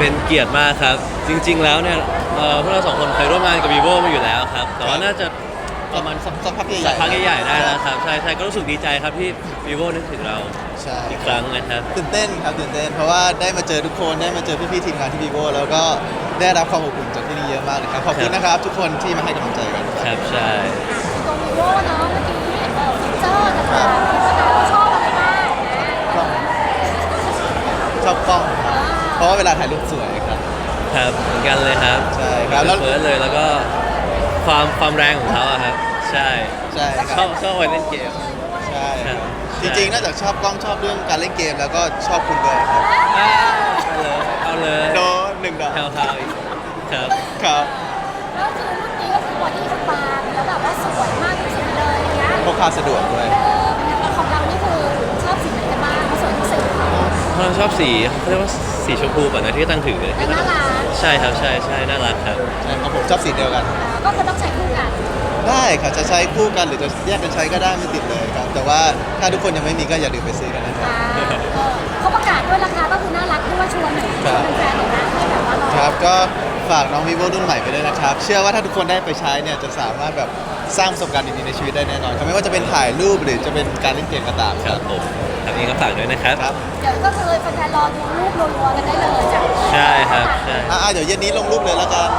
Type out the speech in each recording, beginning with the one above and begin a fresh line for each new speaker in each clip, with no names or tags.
เป็นเกียรติมากครับจริงๆแล้วเนี่ยพวกเราสองคนเคยร่วมงานกับ vivo มาอยู่แล้วครับแต่ว่าน่าจะประมาณ
สักพักใหญ่
สักพักใหญ่ๆได้แล้วครับใช่ก็รู้สึกดีใจครับที่ vivo นึกถึงเรา
ใช่
อีกครั้งนะครับ
ตื่นเต้นครับตื่นเต้นเพราะว่าได้มาเจอทุกคนได้มาเจอพี่ๆทีมงานที่ vivo แล้วก็ได้รับความอบอุ่นจากที่นี่เยอะมากเลยครับขอบคุณนะครับทุกคนที่มาให้กำลังใจกัน
ครับใช่
ตรงวีโว่เนาะเมื่อกี้ฟีเจอร์ต่างๆที่เราชอบอะไรบ้าง
กล้องชอบกล้องเพราะว่าเวลาถ่ายรูปสวยครับ
ครับเหมือนกันเลยครับ
ใช่ครับแล้ว
เฟิร์สเลยแล้วก็ความแรงของเขาอะครับใช่
ใช่ค
ช
รั
อ
บบ
ชอบไปเล่นเกม
ใช่
ครับ
จริงๆนอกจากชอบกล้องชอบเรื่องการเล่นเกมแล้วก็ชอบคุณด้วยครับ
เอาเลย
โดนหนึ่งดอก
แถวๆอีกครับ
ครับ
แล้วคือรุ่นนี้ก็คือบอดี้คือบางแล้วแบบว่าสวยมากที่สุดเลยอย่างเงี้ย
พกพาสะดวกด้วย
ของเรานี่คือชอบสีไหนกันบ้างสวยที่สุด
เราชอบสีเขาเรียกว่าสีชมพูก่อนนะที่ตั้งถือ
น่ารัก
ใช่ครับใช่น่ารักครับ
ใช่ครับผมชอบสีเดียวกัน
ก็คือต้องใช้คู่กัน
ได้ครับจะใช้คู่กันหรือจะแยกกันใช้ก็ได้ไม่ติดเลยครับแต่ว่าถ้าทุกคนยังไม่มีก็อย่าลืมไปซื้อกันนะครับ
เขาประกาศด้วยราคาก็คือน่ารักด้วยชวนหน่อยชวนแฟนๆหน่อยนะให้แบบว่าเรา
ครับก็ฝากน้อง vivo รุ่นใหม่ไปด้วยนะครับ เชื่อว่าถ้าทุกคนได้ไปใช้เนี่ยจะสามารถแบบสร้างประสบการณ์ดีๆในชีวิตได้แน่นอนครับไม่ว่าจะเป็นถ่ายรูปหรือจะเป็นการเล่นเกมก็ตาม
ค
ค
รั
รั
บบ ผมทางนี้ก็ฝากด้วยนะครับ
ครับ
เดี๋ยวก็คือแฟนๆรอดูรูปรัวๆกันได้เลยจ้ะ
ใช่ครับใช่
เดี๋ยวเย็นนี้ลงรูปเลยแล้วกัน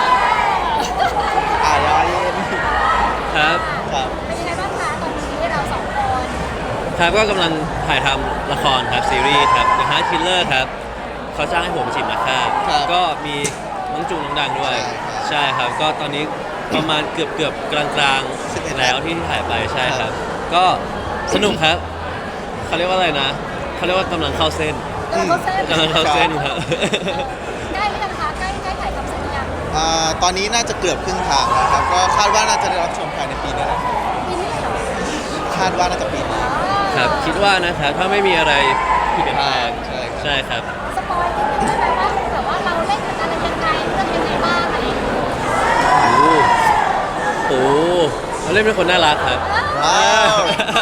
ยาเย็น
ครับ
ครับ
เป็นยังไงบ้างคะตอนนี้เราสองคน
ครับก็กำลังถ่ายทำละครครับซีรีส์ครับ The Heart Killer ครับเขาจ้างให้ผมฉีดมาฆ่าก็มีน้องจูน้องดังด้วย ใช่ครับก็ตอนนี้ประมาณเกือบกลางๆแล้วที่ถ่ายไปใช่ครับ ก็สนุกครับเขาเรียกว่าอะไรนะเขาเรียกว่ากำลังเข้าเส้น
กำลังเข้าเส้น
กำลังเข้าเส้นครับ
ใกล้หรือยังคะใกล้ถ่ายทำเสร็จหรือยัง
ตอนนี้น่าจะเกือบครึ่งทางแล้วครับก็คาดว่าน่าจะได้รับชมภายในปีนี้แหละ
ปีนี้เหรอ
คาดว่าน่าจะปีนี้
ครับคิดว่านะครับถ้าไม่มีอะไรเปลี่ยนแปลง
ใช่ครับ
ใช่ครับ
สปอยนิดนึงได้ไหมว่าแบบว่าเราเล่นเป็นอะไรยังไงเรื่องยังไงบ้างอะไรอย่างเงี้ย
โอ้เราเล่นเป็นคนน่ารักครับ
ว้าว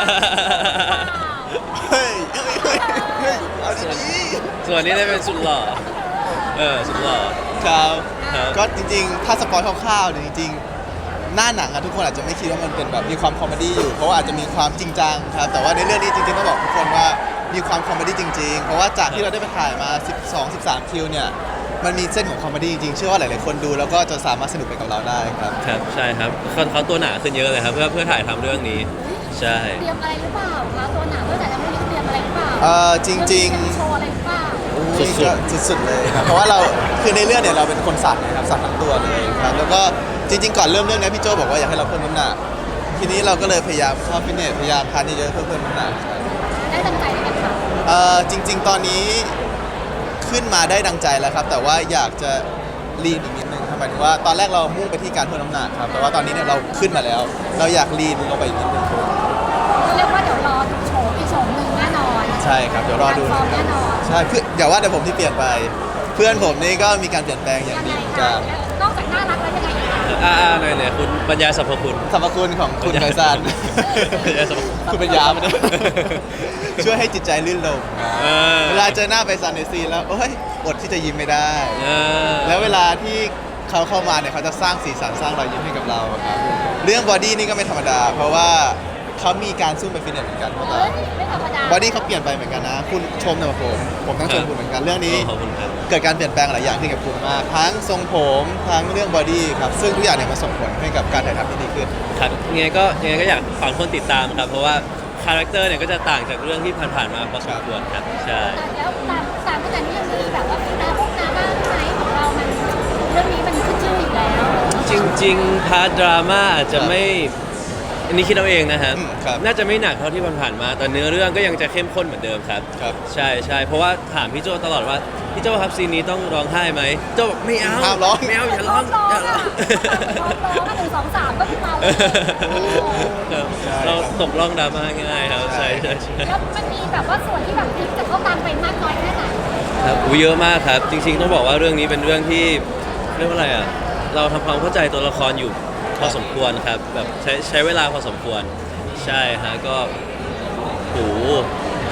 เฮ้ยเอาดี
ส่วนนี้ได้เป็นสุดหล่อสุดหล่อ
ๆครับ
ครับ
ก็จริงๆ ถ้าสปอยคร่าวๆเนี่ยจริงๆ หน้าหนังอะทุกคนอาจจะไม่คิดว่ามันเป็นแบบมีความคอมเมดี้อยู่ เพราะว่าอาจจะมีความจริงจังครับ แต่ว่าในเรื่องนี้จริงๆต้องบอกทุกคนว่ามีความคอมเมดี้จริงๆ เพราะว่าจากที่เราได้ไปถ่ายมา 12-13 คิวเนี่ย มันมีเส้นของคอมเมดี้จริงๆ เชื่อว่าหลายๆคนดูแล้วก็จะสามารถสนุกไปกับเราได้ครับ
ครับใช่ครับเขาตัวหนาขึ้นเยอะเลยครับเพื่อถ่ายทำเรื่องนี้ใช่
เตรียมอะไรหรือเปล่าคะตัวหนังด้วยแต่ยังไม่รู้เตรียมอะไรหรือเปล่า
จริงๆ
มีโชว์อะไรหรือเปล่า
สุดๆเลยครับเพราะว่าเราคือในเรื่องเนี่ยเราเป็นคนสัตว์นะครับสัตว์ทั้งตัวเลยครับแล้วก็จริงๆก่อนเริ่มเรื่องนี้พี่โจบอกว่าอยากให้เราเพิ่มน้ำหนักทีนี้เราก็เลยพยายามเข้าฟิตเนสพยายามทานเยอะๆเพื่อเพิ่มน้ำหนัก
ได้ตั้งใจไหมคะ
จริงๆตอนนี้ขึ้นมาได้ดังใจแล้วครับแต่ว่าอยากจะลีนอีกนิดนึงครับหมายถึงว่าตอนแรกเรามุ่งไปที่การเพิ่มน้ำหนักครับแต่ว่าตอนนี้เนี่ยเราขึ้นมาแล้ว เราอยากลีนลงไปอีกนิดนึง
เรียกว่าเดี๋ยวรอดูโชว์อีกโชว์หนึ่งแน่นอน
ใช่ครับเดี๋ยวรอดู
ฟอร์ม
นะค
แน่
รับ
นอน
ใช่เพื่อนอย่าว่าแต่ผมที่เปลี่ยนไป เพื่อนผมนี่ก็มีการเปลี่ยนแปลงอย่าง
ยัง
ดี
ไง
เหมือน
คะ
กัน
นอกจากน่ารักแล้วยังไงอีกคะ
หน่อยคุณบรรยายสรรพคุณ
สรรพคุณของคุณไพศาล
บรรยายสรรพคุณ
คุณเป็นยามาเนี่ยช่วยให้จิตใจลื่นลม
เออ
เวลาเจอหน้าไพศาลในซีนแล้วโอ้ยอดที่จะยิ้มไม่ได้
เออ
แล้วเวลาที่เขาเข้ามาเนี่ยเขาจะสร้างสีสันสร้างรอยยิ้มให้กับเราครับเรื่องบอดี้นี่ก็ไม่ธรรมดา เพราะว่าเขามีการซุ่มไปฟิตเนสเหมือนกันพวก
เฮ้
เรา
ยไม่ธรรมดา
บอดี้เขาเปลี่ยนไปเหมือนกันนะ คุณชมนะผมต้องชมคุณเหมือนกันเรื่องนี้
ขอบคุณครับ
เกิดการเปลี่ยนแปลงหลายอย่างขึ้นกับคุณมากทั้งทรงผมทั้งเรื่องบอดี้ครับซึ่งทุกอย่างเนี่ยมาส่งผลให้กับการถ่ายทำที่ดีขึ้น
ครับยังไงก็อยากฝากคนติดตามครับ เพราะว่าคาแรคเตอร์เนี่ยก็จะต่างจากเรื่องที่ผ่านๆมาพอสมควรครับใช่
แล้วตามขนาดนี้ยังมีแบบว่าพวกน้าบ้างไหมของเรามันเรื่องนี้มันขึ้นชื่ออยู่แล้ว
จริงๆพาร์ทดราม่าอาจจะไม่อันนี้คิดเอาเองนะครับ
ครับ
น่าจะไม่หนักเท่าที่ผ่านๆมาแต่เนื้อเรื่องก็ยังจะเข้มข้นเหมือนเดิมครับ
ครับ
ใช่เพราะว่าถามพี่โจตลอดว่าพี่โจครับซีนนี้ต้องร้องไห้ไหมโจบอกไม่เอา
ห้ามร้อง
ไม่เอาอย่าร้องอย่าร้อง
ร้อง1 2 3ก็ขึ้นมาเลย
ครับเราตกล่องดราม่าง่ายครับใช่
แล้วมันมีแบบว่าส่วนที่แบบพลิกจะเข้าตามไปมากน้อยแค่ไหน
ครับเยอะมากครับ จริงๆต้องบอกว่าเรื่องนี้เป็นเรื่องที่เรียกว่าอะไรอ่ะเราทำความเข้าใจตัวละครอยู่พอสมควรครับแบบใช้เวลาพอสมควรใช่ฮะก็โหท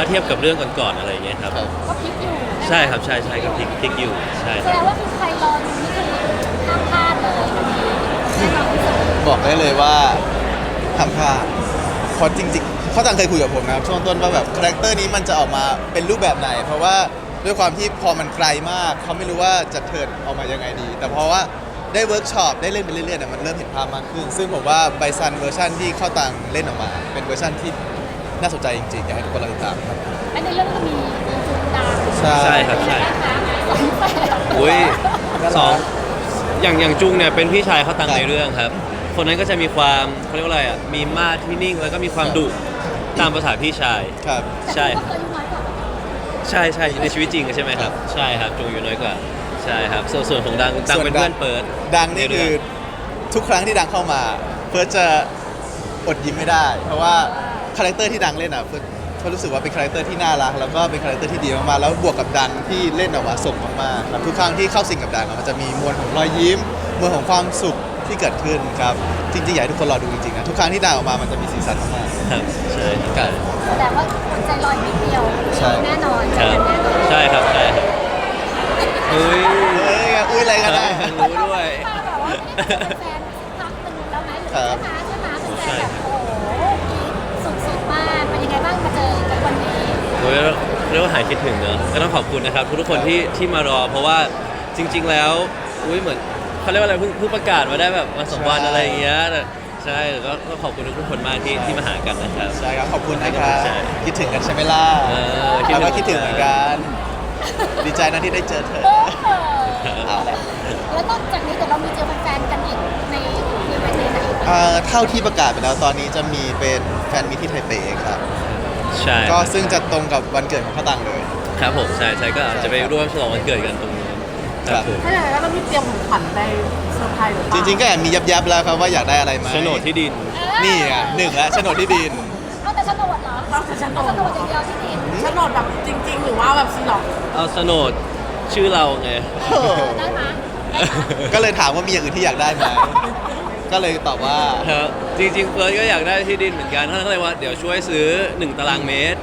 ถ้าเทียบกับเรื่องก่อนๆอะไรอย่างเงี้ยครับ
ครับ
ก็พลิกอยู่
ใช่ครับใช่ก็พลิกอยู่ใช่
แสดงว่าคือใครรอดูนี่คือห้ามพลาดเลยวันนี้แน่นอนที่สุด
บอกได้เลยว่าทำพลาดเพราะจริงๆเขาต่างเคยคุยกับผมนะครับช่วงต้นว่าแบบคาแรคเตอร์นี้มันจะออกมาเป็นรูปแบบไหน เพราะว่าด้วยความที่พอมันไกลมากเขาไม่รู้ว่าจะเทิร์นออกมายังไงดี แต่เพราะว่าได้เวิร์กช็อปได้เล่นไปเรื่อยๆเนี่ยมันเริ่มเห็นภาพมากขึ้น ซึ่งผมว่าไบซันเวอร์ชันที่เข้าต่างเล่นออกมา เป็นเวอร์ชันที่น่าสนใจจริงๆอยากให้ทุกคนรอติดตามครับ
และในเรื่องก็มีจุดดัง
ใช่ครับใช่
นะคะสองแฝด
อุ้ยสองอย่างจุงเนี่ยเป็นพี่ชายเขาตังในเรื่องครับ คนนั้นก็จะมีความเขาเรียกว่าอะไรอ่ะมีมาดที่นิ่งแล้วก็มีความดุตามภาษาพี่ชาย
ครับ
ใช่
แต่ก็เคยอายุน้อยกว่า
ใช่ในชีวิตจริงใช่ไหมครับ ใช่ครับจุงอยู่น้อยกว่าใช่ครับส่วนของดังเป็นเพื่อนเปิด
ดังนี่คือทุกครั้งที่ดังเข้ามาเฟิร์สจะอดยิ้มไม่ได้ เพราะว่าคาแรคเตอร์ที่ดังเล่นอ่ะเฟิร์สรู้สึกว่าเป็นคาแรคเตอร์ที่น่ารักแล้วก็เป็นคาแรคเตอร์ที่ดีมากๆแล้วบวกกับดังที่เล่นออกมาส่งมากๆครับทุกครั้งที่เข้าสิงกับดังอะมันจะมีมวลของรอยยิ้มมวลของความสุขที่เกิดขึ้นครับจริงๆอยากให้ทุกคนรอดูจริงๆนะทุกครั้งที่ดังออกมามันจะมีสีสันมาก
ครับใช่
ๆครับ
แสดงว่าคนใจลอยนิดเดียว
ใช่
แน่นอน
ครับ
แน่นอน
ใช่ครับเฮ้ย
เอ้ยอุ้ยอะไรกันนะ
รู้ด้วย
มาแบบว่าไม่ได้เป็นแฟนพักหนึ่งแล้วไหมหรือใช่ไหมเป็นแฟนแบบโอ้โหสุดๆมากเป็นยังไงบ้างมาเจอกันวันนี้
โอ้ยเรียกว่าหายคิดถึงเนอะก็ต้องขอบคุณนะครับทุกๆคนที่มารอ เพราะว่าจริง ๆ แล้วอุ้ยเหมือนเขาเรียกว่าอะไรเพิ่งประกาศมาได้แบบมาสองวันอะไรอย่างเงี้ยแต่ใช่แล้วก็ขอบคุณทุกๆคนมากที่มาหากันนะครับ
ใช่ครับขอบคุณนะครับ
ใช่
คิดถึงกันใช่ไหมล่ะ
คิดถึง
เราก็คิดถึงเหมือนกันดีใจนะที่ได้เจอเธอ เอาละ
แล้วนอกจากนี้เดี๋ยวเรามีเจอแฟนๆกันอีกในอีเวนต์ไหนอีก
เท่าที่ประกาศไปแล้วตอนนี้จะมีเป็นแฟนมิตที่ไทเปครับ
ใช่
ก็ซึ่งจะตรงกับวันเกิดของข้าวตังเลย
ครับผมใช่ก็อาจจะไปร่วมฉลองวันเกิดกันตรงนู้นครับผม
ถ้าอย่างนั้นเรามีเตรียมของขวัญไปเซอร์ไพรส์หรือเป
จ
ล่า
ริงๆก็แอบมียับๆแล้วครับว่าอยากได้อะไรไหม
โฉนดที่ดิน
นี่ไงหนึ่งแล้วโฉนดที่ดิน
เอาแต่โฉนดเหรอ
ต้องเป็นโฉน
เอา
ด
โฉนดอย่างเดียวที่ดิน
โฉนดแบบจริง ๆ หรือว่าแบบซีล็อก
เอาโฉนดชื่อเราไง
ได้ไหม
ก็เลยถามว่ามีอย่างอื่นที่อยากได้ไหมก็เลยตอบว่า
ครับจริงๆเฟิร์สก็อยากได้ที่ดินเหมือนกันท่านก็เลยว่าเดี๋ยวช่วยซื้อ1 ตารางเมตร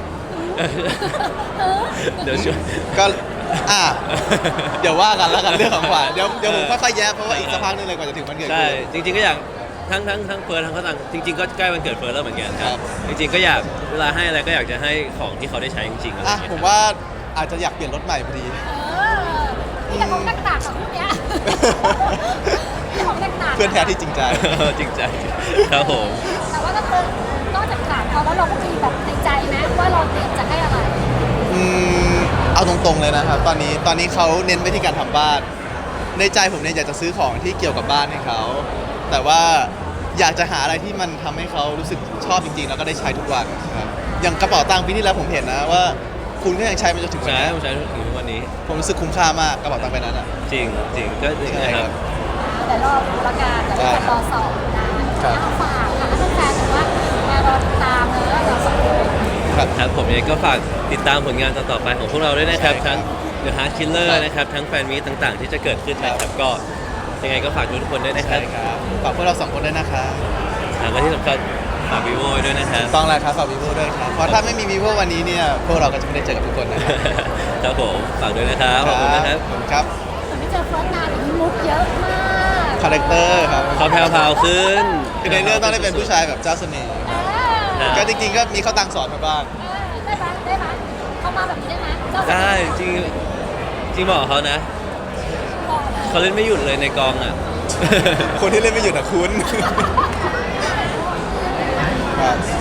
เดี๋ยวช่วย
ก็เดี๋ยวว่ากันแล้วกันเรื่องของขวัญเดี๋ยวผมค่อยๆแยกเพราะว่าอีกสักพักนึงเลยกว่าจะถึงวันเกิด
ใช่
คุณ
จริงๆก็อยากทั้งเฟิร์สทั้งเขาต่างจริงๆก็ใกล้วันเกิดเฟิร์สแล้วเหมือนกันค
ครั
รับบ จริงๆก็อยากเวลาให้อะไรก็อยากจะให้ของที่เขาได้ใช้จริงๆอะไรอย่างเงี้ย
ผมว่าอาจจะอยากเปลี่ยนรถใหม่พอดี
นี่แต่ของต่างๆกับพวกเนี้ยนี่ของต่างๆ
เพื่อนแท้ที่จริงใจ
จริงใจครับผม
แต่ว่าก็คือนอกจากถามเขาแล้วเราก็มีแบบในใจนะว่าเราเตรียมจะให้อะไร
เอาตรงๆเลยนะครับ ตอนนี้เขาเน้นไปที่การทำบ้าน ในใจผมเนี่ยอยากจะซื้อของที่เกี่ยวกับบ้านให้เขา แต่ว่าอยากจะหาอะไรที่มันทำให้เขารู้สึกชอบจริงๆ แล้วก็ได้ใช้ทุกวันครับอย่างกระเป๋าตังค์ปีที่แล้วผมเห็นนะว่า คุณก็ยังใช้มันจนถึงวัน
ใช้
นี้
ผมใช้ถึงทุกวันนี้
ผมรู้สึกคุ้มค่ามากกระเป๋าตังค์ใบนั้นอ่ะ
จริงก็จริง
ใช่
นะค
ค
รั
รับ บ
แต่รอดูละกันแต่ว่าจะรอสอบนะครับ เอาฝากค่ะถ้าแฟนๆบอกว่ามารอตามเนอะเราสองคน
ครับ
ครับผมเองก็ฝากติดตามผลงานต่อๆไปของพวกเราด้วยนะครับ
ใช่ครับ
ทั้ง The Heart Killer
ครับ
นะครับทั้งแฟนมีตต่างๆ ที่จะเกิดขึ้นนะค
ครั
รับบ ก็ยังไงก็ฝากทุกคนด้วยนะค
ใช่
รับ
ครับฝากพวกเราสองคนด้วยนะครับ
และที่สำคัญฝาก vivo ด้วยนะครับ
ต้องแล้วครับฝากวีโวด้วยครับ เพราะถ้าไม่มีวีโววันนี้เนี่ยพวกเราก็จะไม่ได้เจอกับทุกคนนะครับ
ครับผมฝากด้วยนะครับขอบคุณนะครับ
ขอบคุณครับ
แต่ไม่เจอเฟิร์สนานแต่มีมุกเยอะมาก
คาแรคเตอร์ครับ
เขาแพรวๆขึ้น
คือในเรื่องต้องได้เป็นผู้ชายแบบเจ้าเสน่ห์
เออ
ก็จริงๆก็มีเข้าตังค์สอนมาบ้าง
ได้ไหมได้ไหมเข้ามาแบบนี้ได้ไหมเจ้า
ได้จริงบอกเขานะ
บอกเลย
เขาเล่นไม่หยุดเลยในกองอ่ะ
คนที่เล่นไม่หยุดอ่ะคุณครับ